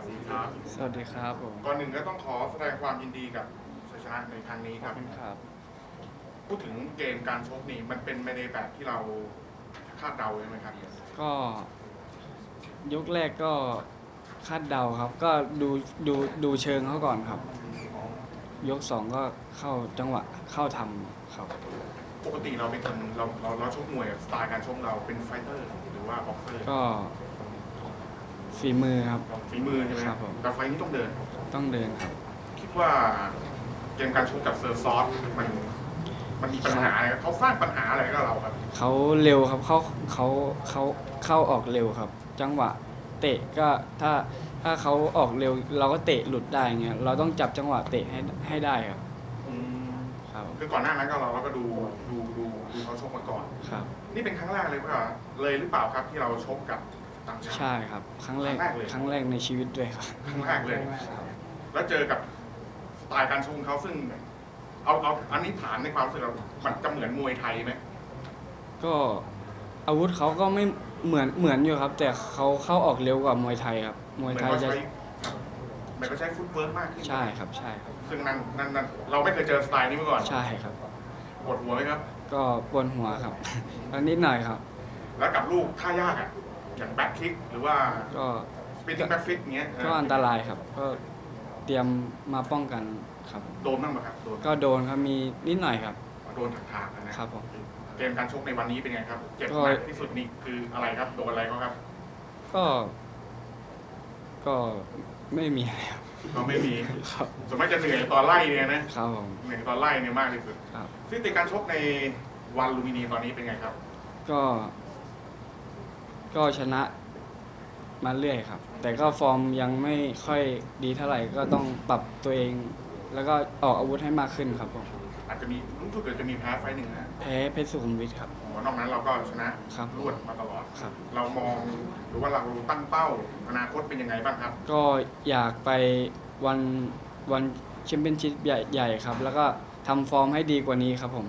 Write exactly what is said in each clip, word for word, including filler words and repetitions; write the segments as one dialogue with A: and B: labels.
A: ดีครับ
B: สวัสดีครับผม
A: ก่อนหนึ่งก็ต้องขอแสดงความยินดีกับชัยชนะในครั้งนี้ครับ
B: ขอบคุณครับ
A: พูดถึงเกมการชกนี่มันเป็นไปในแบบที่เราคาดเดาใช่ไหมครับ
B: ก็ยกแรกก็คาดเดาครับ ก็ดูดูดูเชิงเขาก่อนครับ ยกสองก็เข้าจังหวะเข้าทำครับ
A: ปกติเราเป็นคนเราเราเราชกมวยสไตล์การชกเราเป็นไฟเตอร์หรือว่าบ็อกเซอร์
B: ก็ฝีมือครับ
A: ฝีมือใช่ไหม
B: ครับผม
A: แต่ไฟนี้ต้องเดิน
B: ต้องเดินครับ
A: คิดว่าเกมการชกกับเซอร์ซอสมันมันมีปัญหาอะไรครับเขาสร้างปัญหาอะไรกับเราครับ
B: เขาเร็วครับเขาเขาเขาเข้าออกเร็วครับ จังหวะเตะก็ถ้าถ้าเขาออกเร็ว เราก็เตะหลุดได้เงี้ยเราต้องจับจังหวะเตะให้ให้ได้ครับ
A: อืม
B: ครับ
A: คือก่อนหน้านั้นก็เราเราก็ดูดูดูดูเขาชกมาก่อน
B: ครับ
A: นี่เป็นครั้งแรกเลยว่าเลยหรือเปล่าครับที่เราชกกับต่างชาติ
B: ใช่ครับ ครั้งแรก
A: ครั้งแรกเลย
B: ครั้งแรกในชีวิตด้วยครับ
A: ครั้งแรกเลย แล้วเจอกับสไตล์การชกของเขาซึ่ง เอาเอาอันนี้ถามในความรู้สึกเรามันจะเหมือนมวยไทยไหม
B: ก็อาวุธเขาก็ไม่เหมือนเหมือนอยู่ครับ แต่เขาเข้าออกเร็วกว่ามวยไทยครับมวย
A: เหมือน
B: ไทย
A: เขา
B: จะ
A: ใช้เหมือนเขาใช้ฟุตเวิร์กมากขึ้น
B: ใช่ครับใช่ครับ
A: ซึ่งนั่นนั่นนั่นเราไม่เคยเจอสไตล์นี้มาก่อน
B: ใช่ครับ
A: ปวดหัวไหมครับ
B: ก็ปวดหัวครับ แล้วนิดหน่อยครับ
A: แล้วกับลูกท่ายากอ่ะอย่างแบ็คคิกหรือว่า
B: ก็
A: สปินติ้งแบ็คฟิตเงี้ย
B: ก็อันตรายครับ ก็เตรียมมาป้องกันครับ
A: โดนบ้างไหมครับโดน
B: ก็โดนครับมีนิดหน่อยครับ
A: โดนถากๆนะครับ
B: ผม
A: เกมการชกในวันนี้เป็นไงครับเจ็บ
B: ก็
A: หนักที่สุดนี่คืออะไรครับโดนอะไรเขาครับ
B: ก็ ก็ไม่มีอะไรครับ
A: ก็ไม่มี
B: ครับ
A: ส่วนมากจะเหนื่อยตอนไล่เนี่ยนะครับ
B: ผม
A: เหนื่อยตอนไล่เนี่ยมากที่สุด
B: ครับ
A: ซึ่งในการชกในวันลูมินีตอนนี้เป็นไงครับ
B: ก็ ก็ชนะมาเรื่อยครับ แต่ก็ฟอร์มยังไม่ค่อยดีเท่าไหร่ก็ต้องปรับตัวเอง แล้วก็ออกอาวุธให้มากขึ้นครับผม
A: อาจจะมีรู้สึกจะมีแพ้ไฟล์หนึ่งนะ
B: แพ้เพชรสุขุมวิทครับ
A: อ๋อนอกนั้นเราก็ชนะครับ รวดมาตลอด
B: ครับ
A: เรามองหรือว่าเราตั้งเป้าอนาคตเป็นยังไงบ้างครับ
B: ก็อยากไปวันวันแชมเปี้ยนชิพใหญ่ใหญ่ครับ แล้วก็ทำฟอร์มให้ดีกว่านี้ครับผม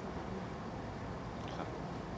B: ครับ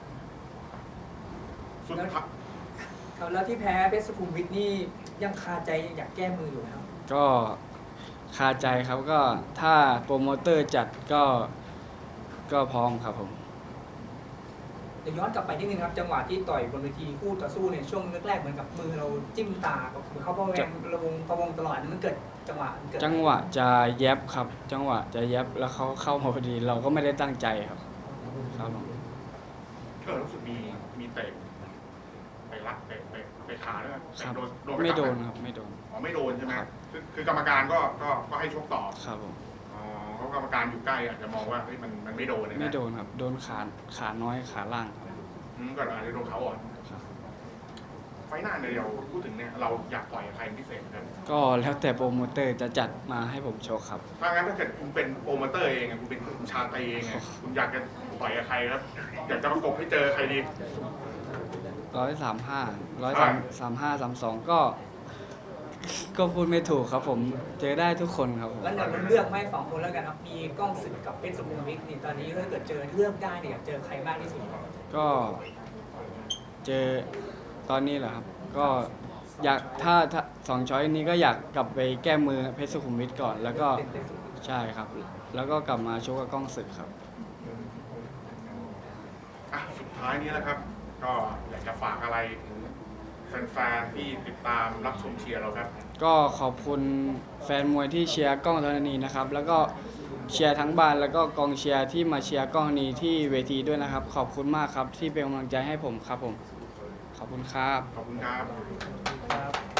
A: สุดท้าย
C: ครับแล้วที่แพ้เพชรสุขุมวิทนี่ยังคาใจยังอยากแก้มืออยู่ไหมครับ
B: ก็คาใจครับก็ถ้าโปรโมเตอร์จัดก็ก็พร้อมครับผม
C: เดี๋ยวย้อนกลับไปนิดนึงครับจังหวะที่ต่อยบนเวทีคู่ต่อสู้เนี่ยช่วงแรกๆเหมือนกับมือเราจิ้มตากับมือเขาพะแวงระวงพะวงตลอดมันเกิดจังหวะมันเกิด
B: จังหวะจะแยบครับ จังหวะจะแยบแล้วเขาเข้ามาพอดี เราก็ไม่ได้ตั้งใจครับครับผม
A: เออรู้สึกมีมีเตะไปรัดเตะเตะเตะขาด้วย
B: ครั
A: เตะ
B: บ
A: โดนโดนป
B: ไม่โดน
A: จับห
B: ครับไม่โดน
A: อ๋อไม่โดนใช่ไหม
B: ครับ
A: คือคือกรรมการก็ก็ก็ให้ชกต่อ
B: ครับผม
A: อ๋อเพราะกรรมการอยู่ใกล้อาจจะมองว่าเฮ้ยมันมันไม่โดนเลยนะ
B: ไม่โดนครับ โดนขาขาน้อยขาล่างครับ
A: อืมก็อาจจะโดนเขาอ่อน
B: ครับ
A: ไฟล์หน้าเนี่ยเราพูดถึงเนี่ยเราอยากต่อยกับใครเป็นพิเศษครับ
B: ก็แล้วแต่โปรโมเตอร์จะจัดมาให้ผมโชว์ครับ
A: ถ้างั้นถ้าเกิดคุณเป็นโปรโมเตอร์เองอะคุณเป็นคุณชาตรีเองอะคุณอยากจะต่อยกับใครครับ อยากจะประกบให้เจอใครดี
B: ร้อยสามห้าร้อยสามสามห้าสามสองก็ ก็พูดไม่ถูกครับผม เจอได้ทุกคนครับผม
C: แล้วเราเลือกไม่สองคนแล้วกันครับมีกล้องศึกกับเพชรสุขุมวิทนี่ตอนนี้ถ้าเกิดเจอเลือกได้เนี่ยอยากเจอใครมากที่สุด
B: ก็เจอตอนนี้เหรอครับ ก็อยากถ้าถ้าสองช้อยนี้ก็อยากกลับไปแก้มือเพชรสุขุมวิทก่อน แล้วก็ใช่ครับ แล้วก็กลับมาชกกับกล้องศึกครับ
A: อ่ะสุดท้ายนี้นะครับ ก็อยากจะฝากอะไรถึงแฟนๆที่ติดตามรับชมเชียร์เราครับ
B: ก็ขอบคุณแฟนมวยที่เชียร์กล้องธรณีนะครับ แล้วก็เชียร์ทั้งบ้านแล้วก็กองเชียร์ที่มาเชียร์กล้องธรณีที่เวทีด้วยนะครับ ขอบคุณมากครับที่เป็นกำลังใจให้ผมครับผม ขอบคุณครับ
A: ขอบคุณครับ
C: ครับ